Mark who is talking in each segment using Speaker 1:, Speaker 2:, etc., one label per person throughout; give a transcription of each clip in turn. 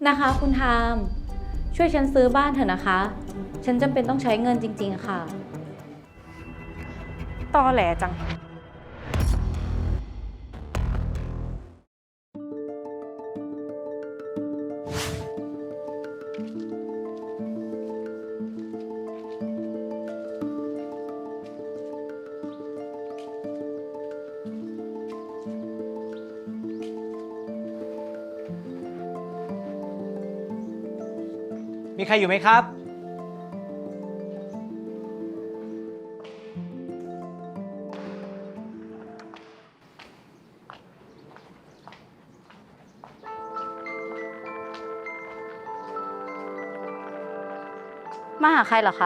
Speaker 1: นะคะคุณทามช่วยฉันซื้อบ้านเถอะนะคะ ฉันจำเป็นต้องใช้เงินจริงๆค่ะ
Speaker 2: ตอแหลจัง
Speaker 3: มีใครอยู่ไหมครับ
Speaker 1: มาหาใครเหรอคะ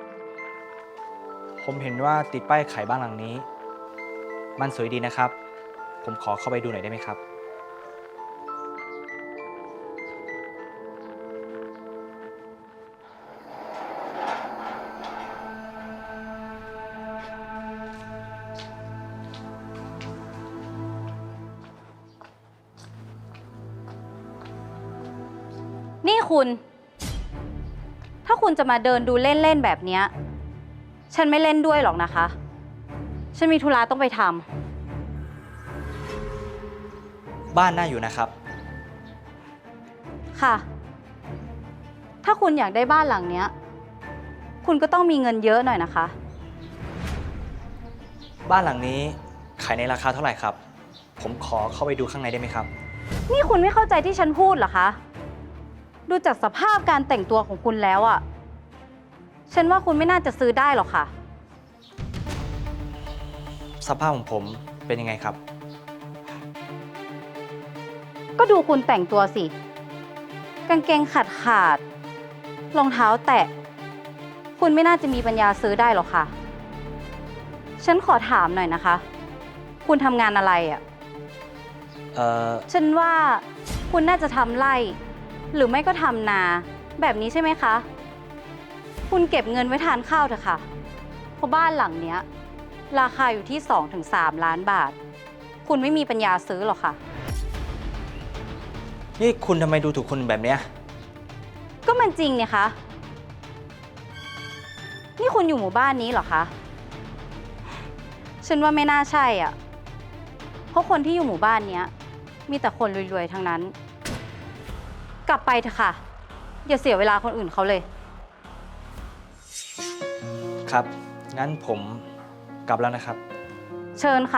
Speaker 3: ผมเห็นว่าติดป้ายขายบ้านหลังนี้ มันสวยดีนะครับ ผมขอเข้าไปดูหน่อยได้ไหมครับ
Speaker 1: นี่คุณ ถ้าคุณจะมาเดินดูเล่นๆแบบเนี้ยฉันไม่เล่นด้วยหรอกนะคะ ฉันมีธุระต้องไปท
Speaker 3: บ้านน่าอยู่นะครับ
Speaker 1: ำค่ะ ถ้าคุณอยากได้บ้านหลังเนี้ยคุณก็ต้องมีเงินเยอะหน่อยนะคะ
Speaker 3: บ้านหลังนี้ขายในราคาเท่าไหร่ครับ ผมขอเข้าไปดูข้างในได้ไหมครับ
Speaker 1: นี่คุณไม่เข้าใจที่ฉันพูดเหรอคะ ดูจากสภาพการแต่งตัวของคุณแล้วอะฉันว่าคุณไม่น่าจะซื้อได้หรอกค่ะ
Speaker 3: สภาพของผมเป็นยังไงครับ
Speaker 1: ก็ดูคุณแต่งตัวสิ กางเกงขาดรองเท้าแตะ คุณไม่น่าจะมีปัญญาซื้อได้หรอกค่ะ ฉันขอถามหน่อยนะคะ คุณทำงานอะไรอะ ฉันว่าคุณน่าจะทำไร่ หรือไม่ก็ทำนา แบบนี้ใช่ไหมคะ คุณเก็บเงินไว้ทานข้าวเถอะค่ะ เพราะบ้านหลังเนี้ยราคาอยู่ที่ 2-3 ล้านบาท คุณไม่มีปัญญาซื้อหรอกค่ะ
Speaker 3: นี่คุณทำไมดูถูกคนแบบเนี้ย
Speaker 1: ก็มันจริงเนี่ยคะ นี่คุณอยู่หมู่บ้านนี้เหรอคะ ฉันว่าไม่น่าใช่อ่ะ เพราะคนที่อยู่หมู่บ้านเนี้ยมีแต่คนรวยๆทั้งนั้น กลับไปเถอะค่ะ อย่าเสียเวลาคนอื่นเขาเลย
Speaker 3: ครับ งั้นผมกลับแล้วนะครับ
Speaker 1: เชิญค่ะ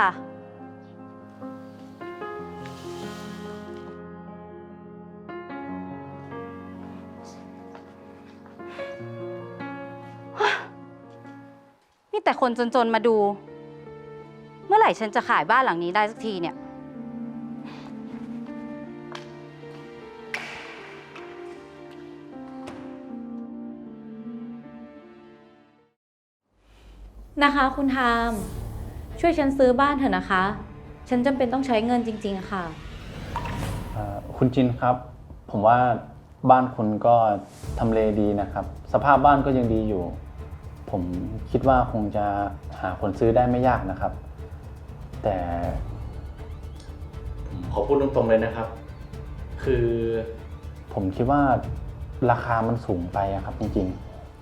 Speaker 1: มีแต่คนจนๆมาดู เมื่อไหร่ฉันจะขายบ้านหลังนี้ได้สักทีเนี่ย นะคะคุณทามช่วยฉันซื้อบ้านเถอะนะคะ ฉันจำเป็นต้องใช้เงินจริงๆค่ะ
Speaker 4: คุณจินครับ ผมว่าบ้านคุณก็ทำเลดีนะครับ สภาพบ้านก็ยังดีอยู่ ผมคิดว่าคงจะหาคนซื้อได้ไม่ยากนะครับ แต่ผมขอพูดตรงๆเลยนะครับ คือผมคิดว่าราคามันสูงไปอะครับจริง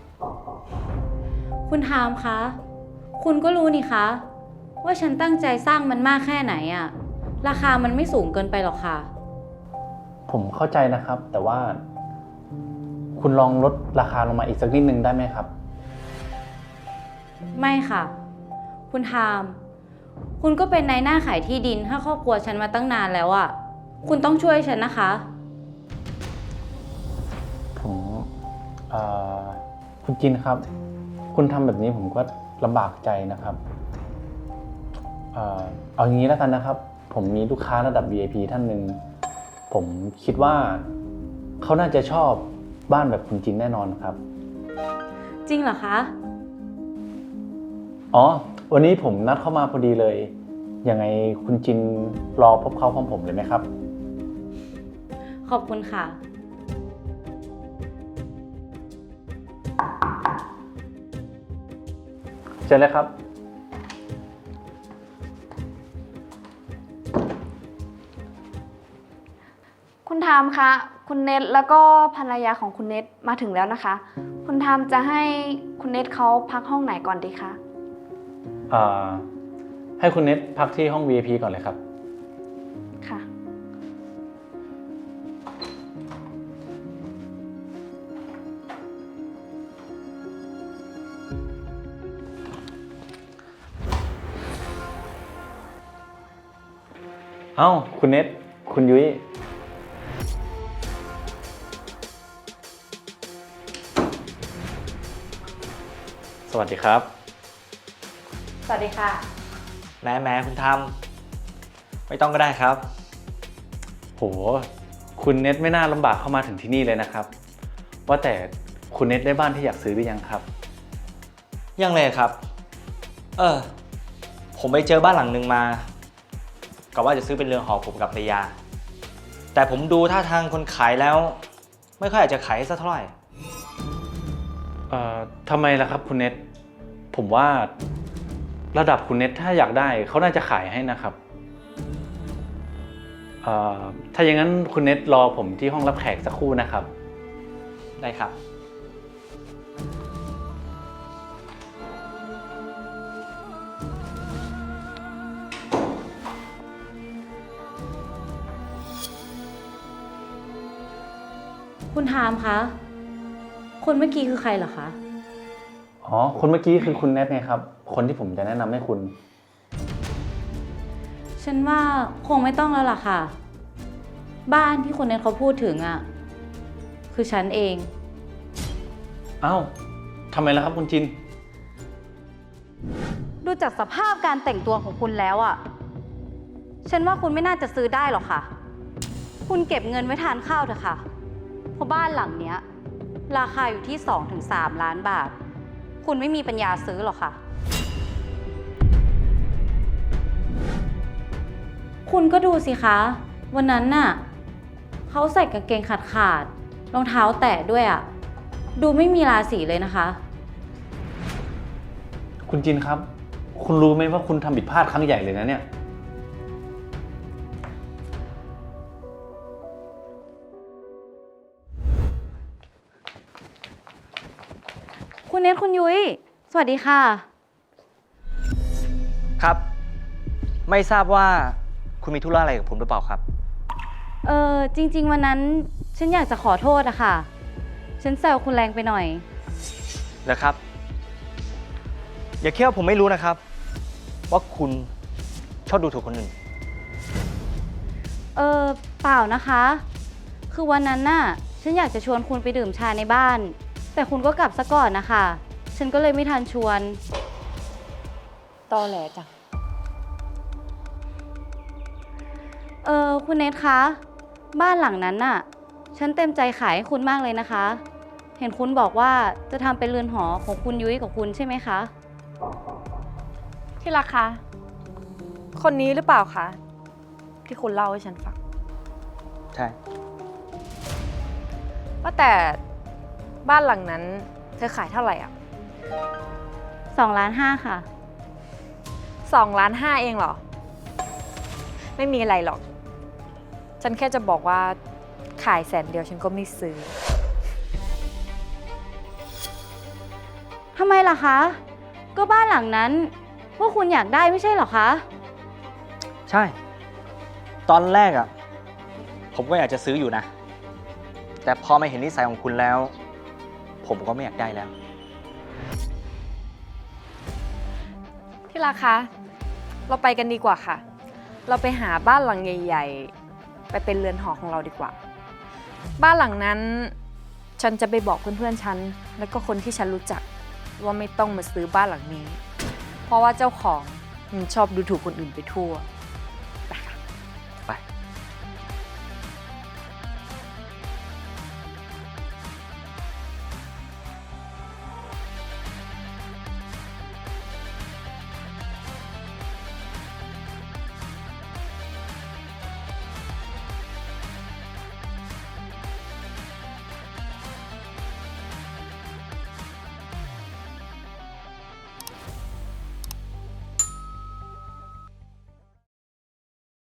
Speaker 4: ๆ
Speaker 1: คุณทามคะ คุณก็รู้นี่คะ ว่าฉันตั้งใจสร้างมันมากแค่ไหนอะราคามันไม่สูงเกินไปหรอกค่ะ
Speaker 4: ผมเข้าใจนะครับ แต่ว่าคุณลองลดราคาลงมาอีกสักนิดนึงได้ไหมครับ
Speaker 1: ไม่ค่ะ คุณทาม คุณก็เป็นนายหน้าขายที่ดินให้ครอบครัวฉันมาตั้งนานแล้วอะคุณต้องช่วยฉันนะคะ
Speaker 4: ผมคุณจินครับ คุณทำแบบนี้ผมก็ลำบากใจนะครับเอาอย่างนี้แล้วกันนะครับ ผมมีลูกค้าระดับ VIP ท่านหนึ่งผมคิดว่าเขาน่าจะชอบบ้านแบบคุณจินแน่นอนครับ
Speaker 1: จริงเหรอคะ
Speaker 4: อ๋อวันนี้ผมนัดเข้ามาพอดีเลยยังไงคุณจินรอพบเขาพร้อมผมเลยไหมครับ
Speaker 1: ขอบคุณค่ะ
Speaker 4: เชิญเลยครับ
Speaker 2: คุณทามคะคุณเน็ตแล้วก็ภรรยาของคุณเน็ตมาถึงแล้วนะคะ คุณทามจะให้คุณเน็ตเขาพักห้องไหนก่อนดีคะ
Speaker 4: ให้คุณเน็ตพักที่ห้อง VIP ก่อนเลยครับ
Speaker 2: ค่ะ
Speaker 4: เอ้า คุณเน็ต คุณยุ้ย สวัสดีครับ
Speaker 2: สวัสดีค่ะ
Speaker 3: แม้คุณทำไม่ต้องก็ได้ครับ
Speaker 4: โห คุณเน็ตไม่น่าลำบากเข้ามาถึงที่นี่เลยนะครับ ว่าแต่คุณเน็ตได้บ้านที่อยากซื้อหรือยังครับ
Speaker 3: ยังเลยครับ ผมไปเจอบ้านหลังหนึ่งมาก็ว่าจะซื้อเป็นเรือนหอผมกับภรรยา แต่ผมดูท่าทางคนขายแล้ว ไม่ค่อยอยากจะขายให้สักเท่าไหร่
Speaker 4: ทำไมล่ะครับคุณเน็ต ผมว่าระดับคุณเน็ตถ้าอยากได้เขาน่าจะขายให้นะครับ ถ้าอย่างนั้นคุณเน็ตรอผมที่ห้องรับแขกสักครู่นะครับ
Speaker 3: ได้ครับ
Speaker 1: คุณทามคะ คนเมื่อกี้คือใครเหรอคะ
Speaker 4: อ๋อ คนเมื่อกี้คือคุณเน็ตไงครับ คนที่ผมจะแนะนำให้คุณ
Speaker 1: ฉันว่าคงไม่ต้องแล้วล่ะค่ะ บ้านที่คนนั้นเขาพูดถึงอ่ะ คือฉันเอง
Speaker 4: เอ้าทำไมล่ะครับคุณจิน
Speaker 1: ดูจากสภาพการแต่งตัวของคุณแล้วอ่ะ ฉันว่าคุณไม่น่าจะซื้อได้หรอกค่ะ คุณเก็บเงินไว้ทานข้าวเถอะค่ะ เพราะบ้านหลังเนี้ย ราคาอยู่ที่ 2-3 ล้านบาท คุณไม่มีปัญญาซื้อหรอกค่ะ คุณก็ดูสิคะ วันนั้นน่ะเขาใส่กางเกงขาดรองเท้าแตะด้วยอ่ะ ดูไม่มีราศีเลยนะคะ
Speaker 4: คุณจินครับ คุณรู้ไหมว่าคุณทำผิดพลาดครั้งใหญ่เลยนะเนี่ย
Speaker 1: คุณเนทคุณยุ้ย สวัสดีค่ะ
Speaker 3: ครับ ไม่ทราบว่าคุณมีธุระอะไรกับผมหรือเปล่าครับ
Speaker 1: จริงๆวันนั้นฉันอยากจะขอโทษอะค่ะ ฉันแซวคุณแรงไปหน่อย
Speaker 3: นะครับ อย่าคิดว่าผมไม่รู้นะครับ ว่าคุณชอบดูถูกคนอื่น
Speaker 1: เปล่านะคะ คือวันนั้นน่ะ ฉันอยากจะชวนคุณไปดื่มชาในบ้าน แต่คุณก็กลับซะก่อนนะคะ ฉันก็เลยไม่ทันชวน
Speaker 2: ตอแหลจัง
Speaker 1: คุณเนทคะ บ้านหลังนั้นน่ะ ฉันเต็มใจขายให้คุณมากเลยนะคะ เห็นคุณบอกว่าจะทำเป็นเรือนหอของคุณยุ้ยกับคุณใช่ไหมคะ
Speaker 2: ที่รักคะ คนนี้หรือเปล่าคะ ที่คุณเล่าให้ฉันฟัง
Speaker 3: ใช่
Speaker 2: ว่าแต่บ้านหลังนั้นเธอขายเท่าไหร่อ่ะ
Speaker 1: 2.5 ล้านค่ะ
Speaker 2: 2.5 ล้านเองเหรอ ไม่มีอะไรหรอก ฉันแค่จะบอกว่าขาย100,000ฉันก็ไม่ซื้อ
Speaker 1: ทำไมล่ะคะ ก็บ้านหลังนั้นพวกคุณอยากได้ไม่ใช่เหรอคะ
Speaker 3: ใช่ ตอนแรกอ่ะ ผมก็อยากจะซื้ออยู่นะ แต่พอมาเห็นนิสัยของคุณแล้ว ผมก็ไม่อยากได้แล้ว
Speaker 2: ที่รักคะ เราไปกันดีกว่าค่ะ เราไปหาบ้านหลังใหญ่ๆ ไปเป็นเรือนหอของเราดีกว่า บ้านหลังนั้นฉันจะไปบอกเพื่อนๆฉันแล้วก็คนที่ฉันรู้จักว่าไม่ต้องมาซื้อบ้านหลังนี้ เพราะว่าเจ้าของมันชอบดูถูกคนอื่นไปทั่ว